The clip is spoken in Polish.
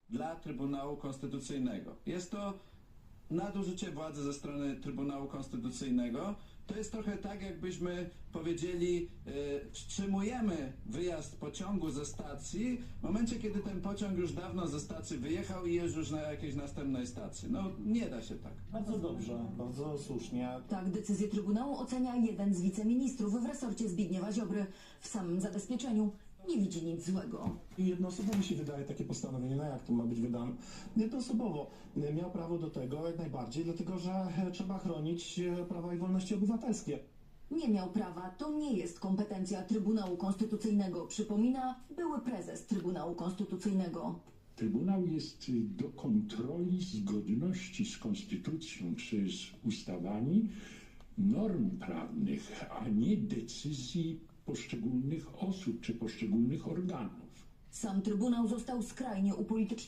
dla Trybunału Konstytucyjnego. Jest to nadużycie władzy ze strony Trybunału Konstytucyjnego. To jest trochę tak, jakbyśmy powiedzieli, wstrzymujemy wyjazd pociągu ze stacji w momencie, kiedy ten pociąg już dawno ze stacji wyjechał i jest już na jakiejś następnej stacji. No nie da się tak. Bardzo dobrze, bardzo słusznie. Tak decyzję Trybunału ocenia jeden z wiceministrów w resorcie Zbigniewa Ziobry. W samym zabezpieczeniu nie widzi nic złego. I jednoosobowo się wydaje takie postanowienie, no jak to ma być wydane? Jednoosobowo miał prawo do tego jak najbardziej, dlatego że trzeba chronić prawa i wolności obywatelskie. Nie miał prawa, to nie jest kompetencja Trybunału Konstytucyjnego, przypomina były prezes Trybunału Konstytucyjnego. Trybunał jest do kontroli zgodności z konstytucją czy z ustawami norm prawnych, a nie decyzji poszczególnych osób czy poszczególnych organów. Sam Trybunał został skrajnie upolityczniony.